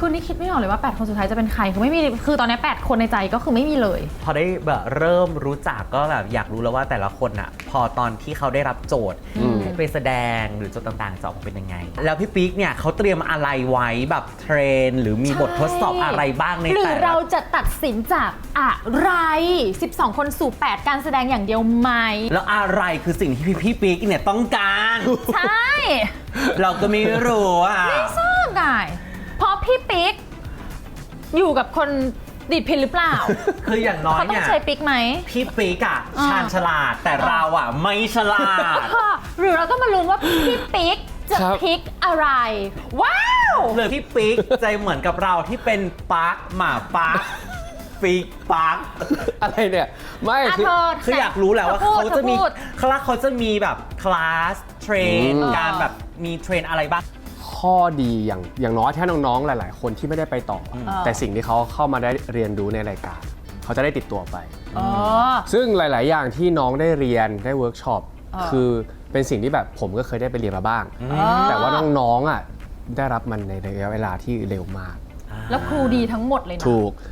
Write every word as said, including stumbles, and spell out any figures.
คือนี่คิดไม่ออกเลยว่าแปดคนสุดท้ายจะเป็นใครคือไม่มีคือตอนนี้แปดคนในใจก็คือไม่มีเลยพอได้แบบเริ่มรู้จักก็แบบอยากรู้แล้วว่าแต่ละคนอะพอตอนที่เขาได้รับโจทย์ให้ไปแสดงหรือโจทย์ต่างๆจะออกมาเป็นยังไง แล้วพี่ปิ๊กเนี่ยเขาเตรียมอะไรไว้แบบเทรนหรือมีบททดสอบอะไรบ้างในแต่ละหรือเราจะตัดสินจากอะไรสิบสองคนสู่แปดการแสดงอย่างเดียวไหมแล้วอะไรคือสิ่งที่พี่ปิ๊กเนี่ยต้องการใช่เราก็ไม่รู้อ่ะไม่ทราบได้เพราะพี่ปิ๊กอยู่กับคนดีดพินหรือเปล่าคืออย่างน้อยเขาต้อเนี่งยใช้ปิ๊กไหมพี่ปิ๊กอะอ่าชาญฉลาดแต่เราอะไม่ฉลาดหรือเราต้องมาลุ้นว่าพี่ปิ๊กจะครับพิกอะไร ว้าวหรือพี่ปิ๊กใจเหมือนกับเราที่เป็นปาร์คหมาปาร์คปิ๊กปาร์คอะไรเนี่ยไม่อ่ะคือเธอคืออยากรู้แหละว่าธอพูเขาดจะมีธอพูดคลาสเขาจะมีแบบคลาสเทรนอืมการแบบมีเทรนอะไรบ้างข้อดีอย่างอย่างน้อยถ้าน้องๆหลาย ๆ คนที่ไม่ได้ไปต่อออแต่สิ่งที่เขาเข้ามาได้เรียนรู้ในรายการ เขาจะได้ติดตัวไปอ๋อซึ่งหลาย ๆ อย่างที่น้องได้เรียนได้เวิร์กช็อปอ่าคือเป็นสิ่งที่แบบผมก็เคยได้ไปเรียนมาบ้าง แต่ว่าน้องๆอ่ะได้รับมันในระยะเวลาที่เร็วมากแล้วครูดีทั้งหมดเลยนะถูก